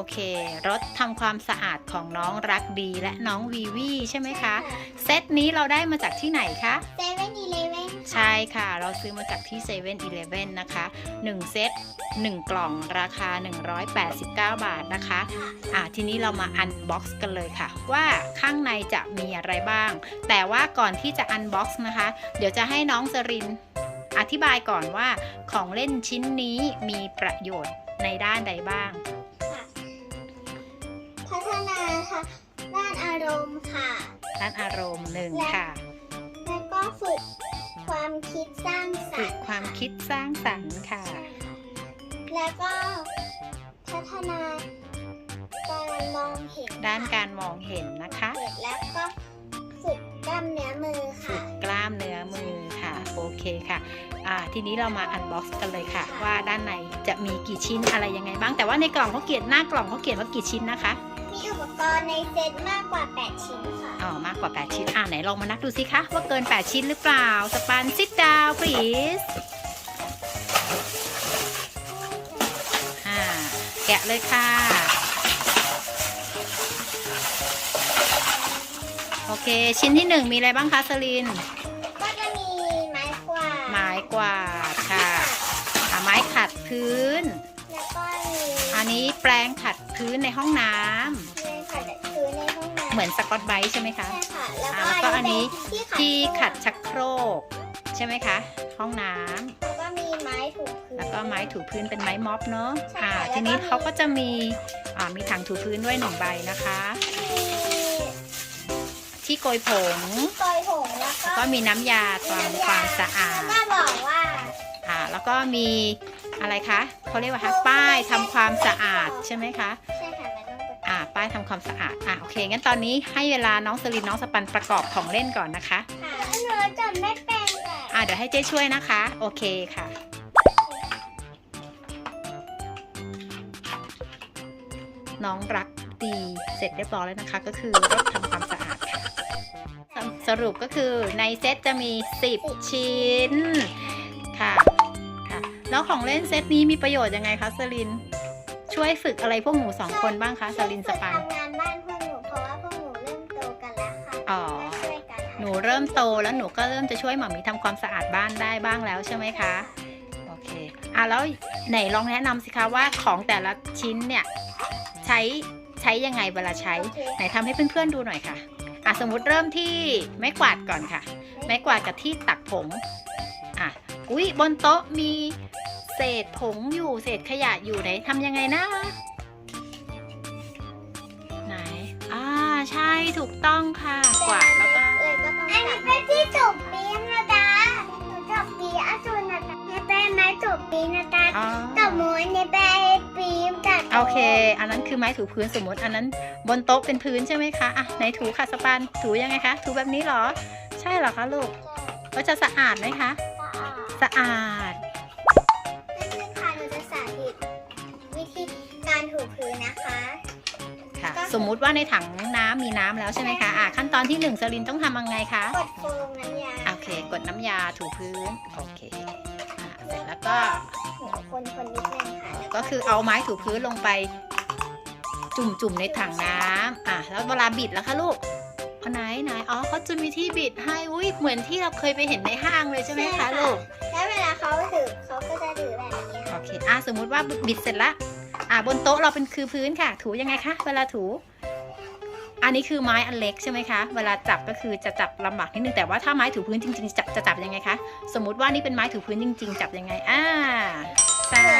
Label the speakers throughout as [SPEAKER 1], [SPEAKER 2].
[SPEAKER 1] เครถทำความสะอาดของน้องรักดีและน้องวีวีใช่ไหมคะเซตนี้เราได้มาจากที่ไหนคะ
[SPEAKER 2] 7-Eleven
[SPEAKER 1] ใช่ค่ะเราซื้อมาจากที่7-Elevenนะคะ1เซต1กล่องราคา189 บาทนะคะทีนี้เรามาอันบ็อกซ์กันเลยค่ะว่าข้างในจะมีอะไรบ้างแต่ว่าก่อนที่จะอันบ็อกซ์นะคะเดี๋ยวจะให้น้องสรินอธิบายก่อนว่าของเล่นชิ้นนี้มีประโยชน์ในด้านใดบ้าง
[SPEAKER 2] พัฒนาค่ะด้านอารมณ์ค่ะ
[SPEAKER 1] ด้านอารมณ์1ค่ะ
[SPEAKER 2] แล้วก็ฝึกความคิดสร้างสรรค์
[SPEAKER 1] ฝึกความคิดสร้างสรรค์ค่ะ
[SPEAKER 2] แล้วก็พัฒนาการมองเห็น
[SPEAKER 1] ด้านการมองเห็นนะคะ
[SPEAKER 2] แล้วก็ฝึกกล้ามเนื้อมือค่ะ
[SPEAKER 1] ฝึกกล้ามเนื้อมือค่ะโอเคค่ะทีนี้เรามาอันบ็อกซ์กันเลยค่ะว่าด้านในจะมีกี่ชิ้นอะไรยังไงบ้างแต่ว่าในกล่องเขาเขียนหน้ากล่องเขาเขียนว่ากี่ชิ้นนะคะ
[SPEAKER 2] มีอุปกรณ์ในเซตมากกว่า8ชิ้นค่ะ
[SPEAKER 1] มากกว่า8ชิ้นไหนลองมานับดูสิคะว่าเกิน8ชิ้นหรือเปล่าสปัน sit down please แกะเลยค่ะโอเคชิ้นที่1มีอะไรบ้างคะสลิน
[SPEAKER 2] ก็จะมีไม้กวา
[SPEAKER 1] ดค่ะไม้ขัดพื้น
[SPEAKER 2] แล้วก็มี
[SPEAKER 1] อันนี้แปรงขัดพื้นในห้องน้ำเหมือนสกอตไบรท์ใช่ไหมคะ
[SPEAKER 2] ใช่ค่ะ
[SPEAKER 1] แล้วก็อันนี้ที่ขัดชักโครกใช่ไหมคะห้องน้ำ
[SPEAKER 2] แล้วก็มีไม้ถูพื้น
[SPEAKER 1] แล้วก็ไม้ถูพื้นเป็นไม้ม็อบเนาะทีนี้เขาก็จะมีถังถูพื้นด้วย1 ใบนะคะที่โกยผงแล้วก็มีน้ำยาทำความสะอาด
[SPEAKER 2] ก็บอกว่า
[SPEAKER 1] แล้วก็มีอะไรคะเขาเรียกว่าป้ายทำความสะอาดใช่ไหมคะ
[SPEAKER 2] ใช่ค่ะ
[SPEAKER 1] ป้ายทำความสะอาดโอเคงั้นตอนนี้ให้เวลาน้องสลินน้องสปันประกอบของเล่นก่อนนะคะ
[SPEAKER 2] หนูจำไม่เป็น
[SPEAKER 1] เดี๋ยวให้เจ๊ช่วยนะคะโอเคค่ะน้องรักดีเสร็จเรียบร้อยแล้วนะคะก็คือรถทำความสะอาดค่ะสรุปก็คือในเซตจะมี10ชิ้นค่ะแล้วของเล่นเซตนี้มีประโยชน์ยังไงคะสลินช่วยฝึกอะไรพวกหนู2 คนบ้างคะสลินสปัน
[SPEAKER 2] ทำงานบ้านพวกหนูเพราะว่าพวกหนูเริ่มโตกันแล้วค่ะ
[SPEAKER 1] หนูเริ่มโตแล้วหนูก็เริ่มจะช่วยหม่ามีทำความสะอาดบ้านได้บ้างแล้วใช่ไหมคะโอเคแล้วไหนลองแนะนำสิคะว่าของแต่ละชิ้นเนี่ยใช้ยังไงเวลาใช้ไหนทำให้เพื่อนๆดูหน่อยค่ะสมมุติเริ่มที่ไม้กวาดก่อนค่ะไม้กวาดกับที่ตักผงอุ๊ยบนโต๊ะมีเศษผงอยู่เศษขยะอยู่ไหนทำยังไงนะไหนใช่ถูกต้องค่ะกวาดแล้วก็
[SPEAKER 2] อันนี้เป็นที่จุบปีนะจ๊ะจุบปีจุนนะจ๊ะนี่เป็นไม้จุบปีนะจ๊ะตบมือนี่เป็นปีมจ๊ะ
[SPEAKER 1] โอเคอันนั้นคือไม้ถูพื้นสมมติอันนั้นบนโต๊ะเป็นพื้นใช่ไหมคะไหนถูค่ะสปันถูยังไงคะถูแบบนี้เหรอใช่เหรอคะลูกก็จะสะอาดไหมคะสะอาด
[SPEAKER 2] ค่ะหนูจะสาธิตวิธีการถูพื้นนะคะ
[SPEAKER 1] ค่ะสมมุติว่าในถังน้ำมีน้ำแล้วใช่ไหมคะขั้นตอนที่1สลินต้องทำยังไงคะ
[SPEAKER 2] กดโฟมน้ำยา
[SPEAKER 1] โอเคกดน้ำยาถูพื้นโอเคเสร็จแล้วก็
[SPEAKER 2] คนนิดนึงค่ะ
[SPEAKER 1] ก็คือเอาไม้ถูพื้นลงไปจุ่มในถังน้ำแล้วเวลาบิดแล้วคะลูกไหนเขาจะมีที่บิดให้เหมือนที่เราเคยไปเห็นในห้างเลยใช่ไหมคะลูก
[SPEAKER 2] แล้วเวลาเขาถือเขาก็จะถือแบบนี้
[SPEAKER 1] โอเคสมมุติว่าบิดเสร็จแล้วบนโต๊ะเราเป็นคือพื้นค่ะถูยังไงคะเวลาถูอันนี้คือไม้อันเล็กใช่ไหมคะเวลาจับก็คือจะจับลำบากนิดนึงแต่ว่าถ้าไม้ถูพื้นจริงๆจะจับยังไงคะสมมุติว่านี่เป็นไม้ถูพื้นจริงๆจับยังไงใช่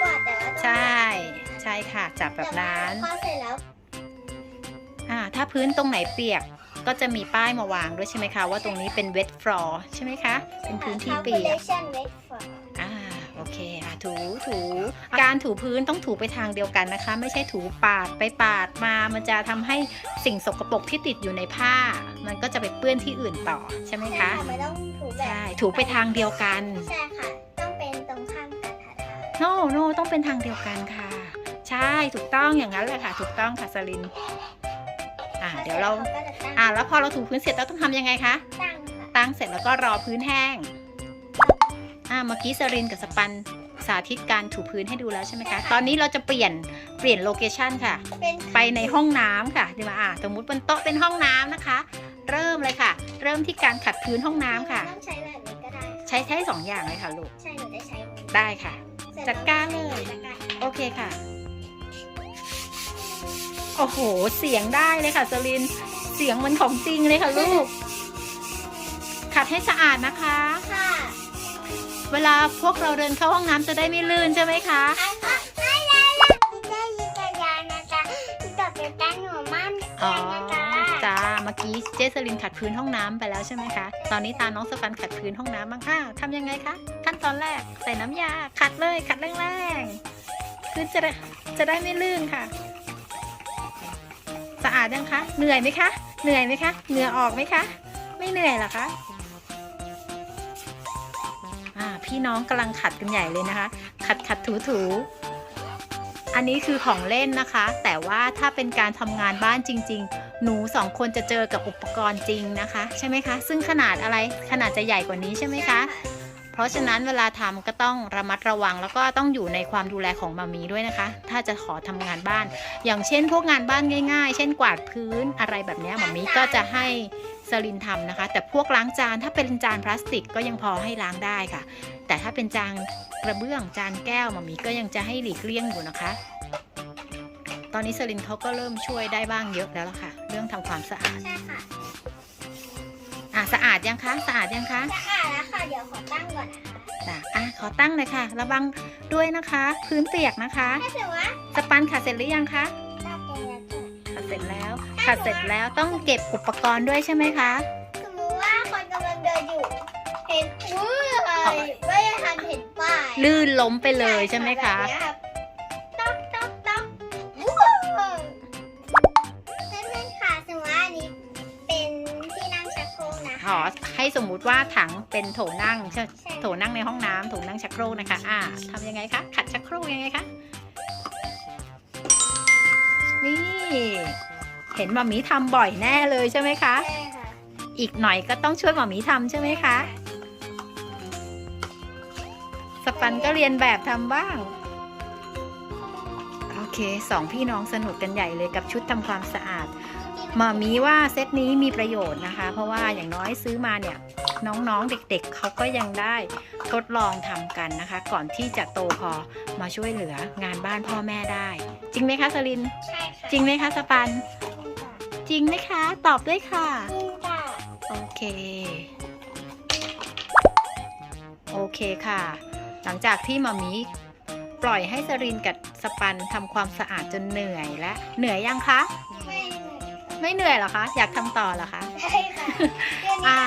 [SPEAKER 1] ใช่ค่ะจับแบบนั้น
[SPEAKER 2] พอเสร็จแล้ว
[SPEAKER 1] ถ้าพื้นตรงไหนเปียกก็จะมีป้ายมาวางด้วยใช่ไหมคะว่าตรงนี้เป็น wet floor ใช่ไหมคะเป็นพื้นที่เปียกโอเคถูการถูพื้นต้องถูไปทางเดียวกันนะคะไม่ใช่ถูปาดไปปาดมามันจะทำให้สิ่งสกปรกที่ติดอยู่ในผ้ามันก็จะไปเปื้อนที่อื่นต่อใช่ไหมคะ
[SPEAKER 2] ไม่ต้องถูแบบ
[SPEAKER 1] ใช่ถูไปทางเดียวกัน
[SPEAKER 2] ใช่ค่ะต้องเป็นตรงข้ามกันค่ะ
[SPEAKER 1] โนต้องเป็นทางเดียวกันค่ะใช่ถูกต้องอย่างนั้นแหละค่ะถูกต้องค่ะสลินเดี๋ยวเราแล้วพอเราถูพื้นเสร็จเราต้องทำยังไงคะตั้งเสร็จแล้วก็รอพื้นแห้งเมื่อกี้สรินกับสปันสาธิตการถูพื้นให้ดูแล้วใช่ไหมคะตอนนี้เราจะเปลี่ยนโลเคชันค่ะ
[SPEAKER 2] เป็น
[SPEAKER 1] ไปในห้องน้ำค่ะดีมาสมมุติบนโต๊ะเป็นห้องน้ำนะคะ เริ่มเลยค่ะ เริ่มที่การขัดพื้นห้องน้ำค่ะ
[SPEAKER 2] ต้องใช้แบบนี้ก็ได้
[SPEAKER 1] ใช้2อย่างเลยค่ะลูก
[SPEAKER 2] ใช่หนูได้ใช้
[SPEAKER 1] ได้ค่ะ จัดการเลย
[SPEAKER 2] จัดการ
[SPEAKER 1] โอเคค่ะ โอ้โห เสียงได้เลยค่ะสลิน เสียงเหมันของจริงเลยค่ะลูก ขัดให้สะอาดนะคะ
[SPEAKER 2] ค่ะ
[SPEAKER 1] เวลาพวกเราเดินเข้าห้องน้ำจะได้ไม่ลื่นใช่ไหมคะ
[SPEAKER 2] ได้ยินแต่ยานะจ๊ะต่อไปตาหนูมั่น
[SPEAKER 1] อ๋อ
[SPEAKER 2] นะจ๊ะ
[SPEAKER 1] จ้า เมื่อกี้เจสลินขัดพื้นห้องน้ำไปแล้วใช่ไหมคะ ตอนนี้ตาน้องสปันขัดพื้นห้องน้ำบ้างค่ะทำยังไงคะ ขั้นตอนแรกใส่น้ำยา ขัดเลย ขัดแรงๆคือจะได้ไม่ลื่นค่ะ สะอาดยังคะ เหนื่อยไหมคะ เหนื่อยไหมคะ เหงื่อออกไหมคะ ไม่เหนื่อยเหรอคะ พี่น้องกำลังขัดกันใหญ่เลยนะคะ ขัดถูอันนี้คือของเล่นนะคะ แต่ว่าถ้าเป็นการทำงานบ้านจริงๆ หนู2คนจะเจอกับอุปกรณ์จริงนะคะใช่ไหมคะ ซึ่งขนาดอะไร ขนาดจะใหญ่กว่านี้ใช่ไหมคะ เพราะฉะนั้นเวลาทำก็ต้องระมัดระวังแล้วก็ต้องอยู่ในความดูแลของมามีด้วยนะคะ ถ้าจะขอทำงานบ้าน อย่างเช่นพวกงานบ้านง่ายๆ เช่นกวาดพื้นอะไรแบบนี้มามีก็จะให้สลินทำนะคะ แต่พวกล้างจานถ้าเป็นจานพลาสติกก็ยังพอให้ล้างได้ค่ะ แต่ถ้าเป็นจานกระเบื้องจานแก้วมามีก็ยังจะให้หลีกเลี่ยงอยู่นะคะ ตอนนี้สลินเขาก็เริ่มช่วยได้บ้างเยอะแล้วล่ะค่ะ เรื่องทำความสะอาด
[SPEAKER 2] ใช่ค่ะ
[SPEAKER 1] สะอาดยังคะ สะอาดยังคะ
[SPEAKER 2] สะอาดแล้วค่ะ เดี๋ยวขอตั้งก่อนนะคะ
[SPEAKER 1] จ้ะขอตั้งเลยค่ะ ระวังด้วยนะคะ พื้นเปียกนะคะ
[SPEAKER 2] ถ้าถือว่า
[SPEAKER 1] สปันขัดเสร็จหรือยังคะ
[SPEAKER 2] ตั้งเองแล้วค่ะ
[SPEAKER 1] ขัดเสร็จแล้ว ขัดเสร็จแล้วต้องเก็บอุปกรณ์ด้วยใช่ไหมคะ
[SPEAKER 2] สมมติว่าคนกำลังเดินอยู่ เห็นไม่ทันเห็นป้าย
[SPEAKER 1] ลื่นล้มไปเลยใช่ไหมคะ
[SPEAKER 2] แบบนี้รับต๊อกต๊อกต๊อกว้าวเพื่อนๆค่ะสมมติว่าอันนี้เป็นที่นั่งชักโครกนะ
[SPEAKER 1] ขอให้สมมุติว่าถังเป็นโถนั่งใช่
[SPEAKER 2] ใช่
[SPEAKER 1] โถนั่งในห้องน้ำโถนั่งชักโครกนะคะทำยังไงคะ ขัดชักโครกยังไงคะ นี่ เห็นหมามีทำบ่อยแน่เลยใช่ไหมคะ
[SPEAKER 2] ใช่ค่ะ
[SPEAKER 1] อีกหน่อยก็ต้องช่วยหมามีทำใช่ไหมคะ สปันก็เรียนแบบทำบ้าง โอเค2พี่น้องสนุกกันใหญ่เลยกับชุดทำความสะอาดหมามีว่าเซตนี้มีประโยชน์นะคะ เพราะว่าอย่างน้อยซื้อมาเนี่ยน้องๆเด็กๆเขาก็ยังได้ทดลองทำกันนะคะ ก่อนที่จะโตพอมาช่วยเหลืองานบ้านพ่อแม่ได้ จริงไหมคะสลิน
[SPEAKER 2] ใช่ค่ะ
[SPEAKER 1] จริงไหมคะสปัน จริงไหมคะ ตอบด้วยค่ะ
[SPEAKER 2] จริงค่ะ
[SPEAKER 1] โอเค โอเคค่ะ หลังจากที่หมามีปล่อยให้สรินกับสปันทำความสะอาดจนเหนื่อยและเหนื่อยยังคะ ไม่เหนื่อยเหรอคะ อยากทำต่อเหรอคะ
[SPEAKER 2] ใช่ค่ะเดี๋ยวนี้
[SPEAKER 1] อ่า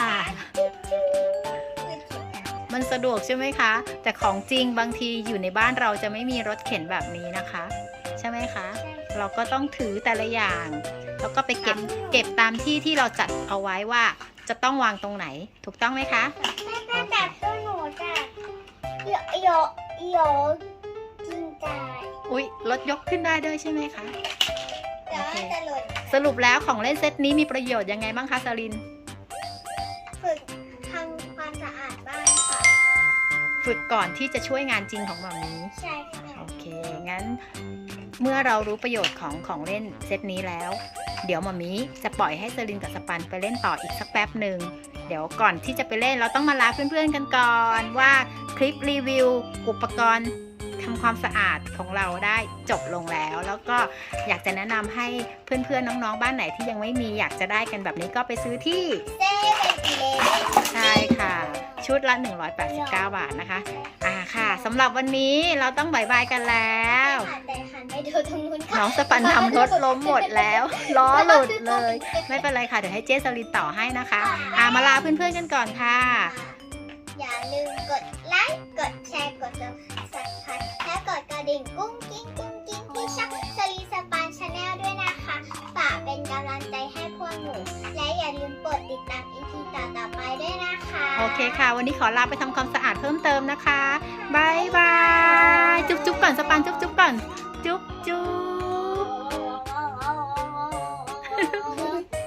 [SPEAKER 2] นะคะ
[SPEAKER 1] มันสะดวกใช่ไหมคะ แต่ของจริงบางทีอยู่ในบ้านเราจะไม่มีรถเข็นแบบนี้นะคะ ใช่ไหมคะ เราก็ต้องถือแต่ละอย่าง แล้วก็ไปเก็บตามที่ที่เราจัดเอาไว้ว่าจะต้องวางตรงไหน ถูกต้องไหมคะ
[SPEAKER 2] แม่จับตัวหนูจ้ะโยกินใจ
[SPEAKER 1] อุ๊ยรถยกขึ้นได้ด้วยใช่ไหมคะ
[SPEAKER 2] แต่ว่าจะหล่น
[SPEAKER 1] สรุปแล้วของเล่นเซตนี้มีประโยชน์ยังไงบ้างคะสลิน
[SPEAKER 2] ฝึกทำความสะอาดบ้านค่ะ
[SPEAKER 1] ฝึกก่อนที่จะช่วยงานจริงของหมามี
[SPEAKER 2] ใช่ค่ะ
[SPEAKER 1] โอเค งั้นเมื่อเรารู้ประโยชน์ของเล่นเซตนี้แล้ว เดี๋ยวหมามีจะปล่อยให้สลินกับสปันไปเล่นต่ออีกสักแป๊บหนึ่ง เดี๋ยวก่อนที่จะไปเล่นเราต้องมาลาเพื่อนๆกันก่อนว่าคลิปรีวิวอุปกรณ์ทำความสะอาดของเราได้จบลงแล้ว แล้วก็อยากจะแนะนำให้เพื่อนๆน้องๆบ้านไหนที่ยังไม่มีอยากจะได้กันแบบนี้ก็ไปซื้อที่
[SPEAKER 2] เซ่เป็นเลน
[SPEAKER 1] ใช่ค่ะ ชุดละ 189 บาทนะคะ ค่ะสำหรับวันนี้เราต้องบายบายกันแล้ว
[SPEAKER 2] แต่หันไปดูตรงนู้นค่ะ
[SPEAKER 1] น้องสปันทำรถล้มหมดแล้ว ล้อหลุดเลย ไม่เป็นไรค่ะ เดี๋ยวให้เจสลินต่อให้นะคะ มาลาเพื่อนๆกันก่อนค่ะ
[SPEAKER 2] อย่าลืมกดไลค์ กดแชร์ กด Subscribe และกดกระดิ่งกุ้งกิ้งที่ช่องสลีสปานชาแนลด้วยนะคะฝากเป็นกำลังใจให้พวกหนู และอย่าลืมกดติดตาม EP ต่อๆไปด้วยนะคะ
[SPEAKER 1] โอเคค่ะ วันนี้ขอลาไปทำความสะอาดเพิ่มเติมนะคะบายบาย จุ๊บๆก่อนสปันจุ๊บๆก่อน